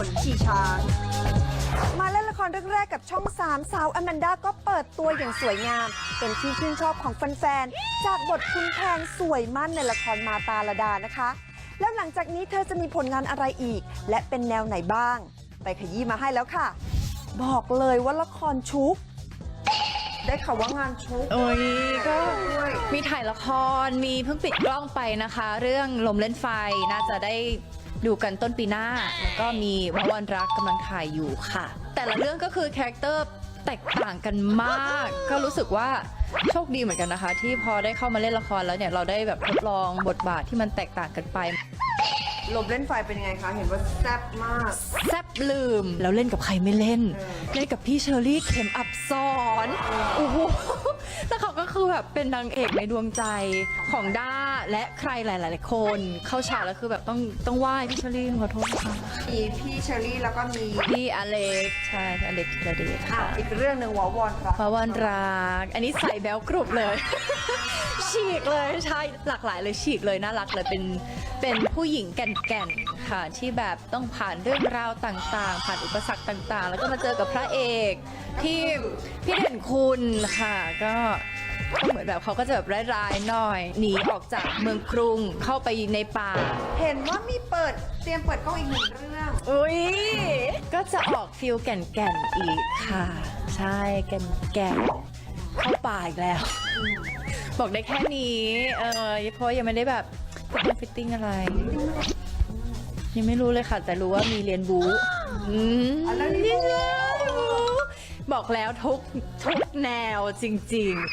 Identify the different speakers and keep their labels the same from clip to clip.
Speaker 1: นขี่ช้างมาเล่นละครเรื่องแรกกับช่อง3สาวอแมนดาก็เปิดตัวอย่างสวยงามเป็นที่ชื่นชอบของแฟนๆจากบทคุณแพงสวยมั่นในละครมาตาลดานะคะแล้วหลังจากนี้เธอจะมีผลงานอะไรอีกและเป็นแนวไหนบ้างไปขยี้มาให้แล้วค่ะบอกเลยว่าละครชุกได้ข่าวว่างานชุก
Speaker 2: โอ้ยก็มีถ่ายละครมีเพิ่งปิดกล้องไปนะคะ เรื่องลมเล่นไฟน่าจะได้ดูกันต้นปีหน้าแล้วก็มีวันรักกำลังถ่ายอยู่ค่ะ แต่ละเรื่องก็คือคาแรคเตอร์แตกต่างกันมาก ก็รู้สึกว่าโชคดีเหมือนกันนะคะ ที่พอได้เข้ามาเล่นละครแล้วเนี่ยเราได้แบบทดลองบทบาทที่มันแตกต่างกันไป
Speaker 1: ลมเล่นไฟเป็นยังไงคะเห็นว่าแซ่บมาก
Speaker 2: แซบลืมแล้วเล่นกับใครไม่เล่น เล่นกับพี่เชอรี่เข็มอับสอนโอ้โหแล้วเขาก็คือแบบเป็นนางเอกในดวงใจของด้าและใครหลายๆคนเข้าฉากแล้วคือแบบต้องไหว้พี่เชอรี่ขอโทษค่ะ
Speaker 1: มีพี่เชอรี่แล้วก็มี
Speaker 2: พี่อเล็กใช่พี่อเล็กธีรเดชค่ะ
Speaker 1: อีกเรื่องหนึ่งวอวอนครับ
Speaker 2: พระวันรักอันนี้ใส่แบลกรุบเลย ฉีกเลยใช่หลากหลายเลยฉีกเลยน่ารักเลยเป็นผู้หญิงแก่นๆค่ะที่แบบต้องผ่านเรื่องราวต่างๆ ผ่านอุปสรรคต่างๆ แล้วก็มาเจอกับพระเอกที่พี่เด่นคุณค่ะก็เหมือนแบบเขาก็จะแบบร้ายๆหน่อยหนีออกจากเมืองกรุงเข้าไปในป่า
Speaker 1: เห็นว่ามีเตรียมเปิดกล้องอีกหนึ่งเรื่อง
Speaker 2: อุ้ยก็จะออกฟิลแก่นๆอีกค่ะใช่แก่นๆเข้าป่าอีกแล้ว บอกได้แค่นี้เพราะยังไม่ได้แบบฟิตติ้งอะไร ยังไม่รู้เลยค่ะ แต่รู้ว่ามีเรียนบู๊
Speaker 1: แล้วนี่
Speaker 2: นี่เลยบอกแล้วทุกแนวจริง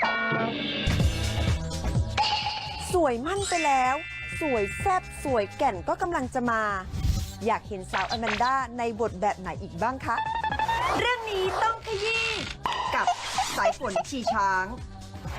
Speaker 2: ๆ
Speaker 1: สวยมั่นไปแล้ว สวยแซ่บสวยแก่นก็กำลังจะมา อยากเห็นสาวอแมนดาในบทแบบไหนอีกบ้างคะ เรื่องนี้ต้องขยี้กับสายฝนขี่ช้าง